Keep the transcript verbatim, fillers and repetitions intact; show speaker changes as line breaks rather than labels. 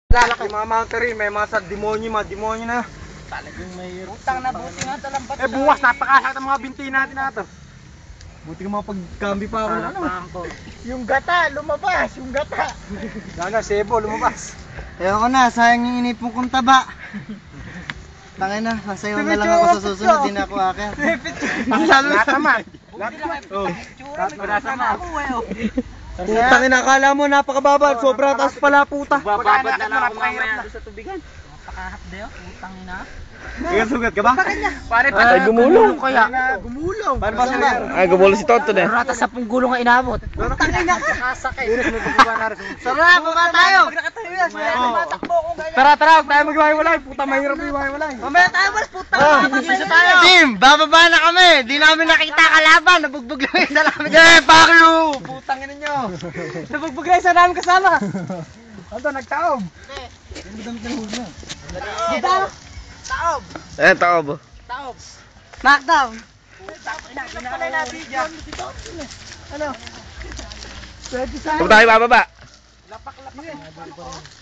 Lalaki mga mountain, may mga sa demonyo, mga demonyo na.
Talagang may
Utang na buti nga talambat.
Eh bukas napakasakit ang mga binti natin na to. Buti ka mapagkambi pa ako ng ano.
ko.
Yung gata, lumabas, yung gata.
Sana, sebo, lumabas.
Ewan ko na, sayang yung inipong kong taba. Tangin na, masayaw na lang ako sa susunod, di na ako akyat.
Lahat naman. Lahat naman. Oh. Lahat naman. Putang ina, akala mo napakababa, sobra taas pala puta.
Bababad na lang ako mamaya doon sa tubigan.
Napakahap dayo, utang ina.
Ikaw sugat ka ba?
Pare pa
Ay, gumulong
kaya.
Gumulong. Paano ba sugat?
Ay, gumulong si Tonton eh.
Rata sa pong gulong nga inabot.
Tangin na ka.
Nakasakay.
Sarap, baba tayo.
Oh. Matakbo ko ganyan.
Tara, tara, huwag tayo mag-iwalay. Puta, mahirap yung-iwalay.
Mamaya tayo, mas puta.
Oh,
Mag-isa tayo.
Team, bababa na kami. Di namin nakita kalaban. Nabugbog lang yung isa namin. Yeah, fuck you. Putang ina nyo. Nabugbog lang yung isa namin kasama. Ano, nagtaob.
Dito. Taob.
Eh, taob.
Taob.
Knockdown.
Ginakalay natin dyan.
Ano?
Kung tayo bababa.
Lapak-lapak.